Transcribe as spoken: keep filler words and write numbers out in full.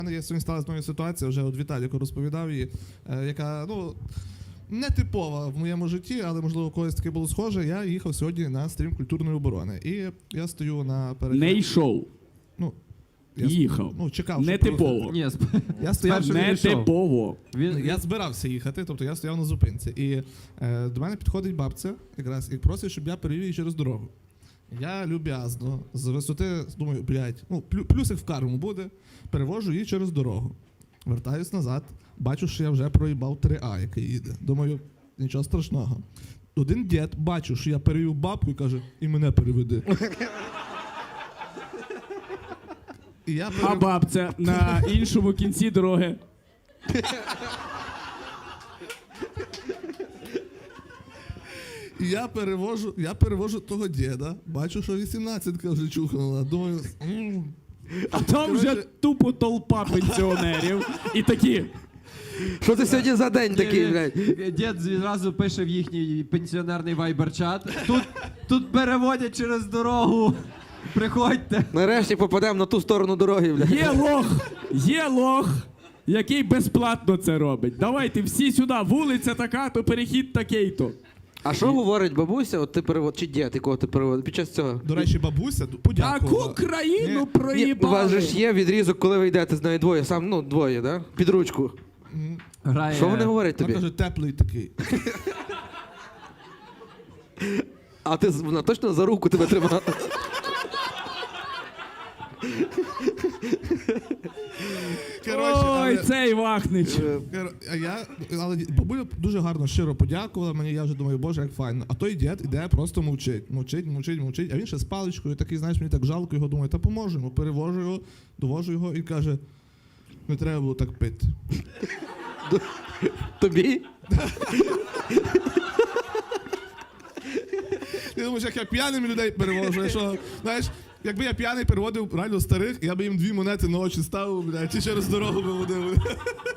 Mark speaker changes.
Speaker 1: У мене є сьогодні сталася знову ситуація, вже от Віталіку розповідав її, е, яка, ну, не типова в моєму житті, але, можливо, у когось таке було схоже. Я їхав сьогодні на стрім культурної оборони. І я стою на перехід...
Speaker 2: Не йшов.
Speaker 1: Ну, я,
Speaker 2: Їхав.
Speaker 1: Ну, чекав,
Speaker 2: не
Speaker 1: щоб
Speaker 2: типово.
Speaker 1: проїхати.
Speaker 3: Ні, сп-
Speaker 1: Я стояв,
Speaker 3: Спершу
Speaker 2: Не
Speaker 3: він йшов.
Speaker 2: типово.
Speaker 3: Він,
Speaker 1: я збирався їхати, тобто я стояв на зупинці. І е, до мене підходить бабця якраз і просить, щоб я перевів її через дорогу. Я люб'язно, з висоти, думаю, блядь, ну, плю, плюсик в карму буде, перевожу її через дорогу. Вертаюсь назад, бачу, що я вже проїбав три А, який їде. Думаю, нічого страшного. Один дід, бачу, що я перевів бабку і каже, і мене переведи. І я
Speaker 2: А
Speaker 1: перев...
Speaker 2: бабця на іншому кінці дороги.
Speaker 1: І я перевожу, я перевожу того діда, бачу, що вісімнадцятка вже чухнула. Думаю, «М,
Speaker 2: А там вже
Speaker 1: Коротше-
Speaker 2: тупо толпа пенсіонерів. І такі.
Speaker 4: Що це сьогодні за день такий, блядь?
Speaker 3: Дід зразу пише в їхній пенсіонерний вайбер-чат. Тут, тут переводять через дорогу. Приходьте.
Speaker 4: Нарешті попадемо на ту сторону дороги, блядь.
Speaker 2: Є лох, є лох, який безплатно це робить. Давайте всі сюди, вулиця така, то перехід такий-то.
Speaker 4: А що говорить бабуся, от ти перевод, чи дід, якого ти переводиш під час цього?
Speaker 1: до речі, бабуся подякувала.
Speaker 2: Таку країну
Speaker 1: Ні,
Speaker 4: Ні, у вас
Speaker 2: проїбали.
Speaker 4: же ж є відрізок, коли ви йдете з нею двоє, сам, ну, двоє, да? Під ручку.
Speaker 3: Грає.
Speaker 4: Що вони говорять
Speaker 1: Вона
Speaker 4: тобі?
Speaker 1: каже, теплий такий.
Speaker 4: А ти з- вона точно за руку тебе тримала?
Speaker 1: Коротше,
Speaker 2: Ой,
Speaker 1: але,
Speaker 2: цей Вахнич.
Speaker 1: кор- а я, але бабуля дуже гарно, щиро подякувала мені, я вже думаю, боже, як файно. А той дід іде, просто мовчить, мовчить, мовчить, мовчить. А він ще з паличкою, такий, знаєш, мені так жалко його, думаю, та поможемо. Перевожу його, довожу його і каже, не треба було так пити.
Speaker 4: Тобі?
Speaker 1: Ти думаєш, як я п'яними людей перевожу, що, знаєш, якби я п'яний переводив реально старих, я би їм дві монети на очі ставив, блядь, і через дорогу би водив.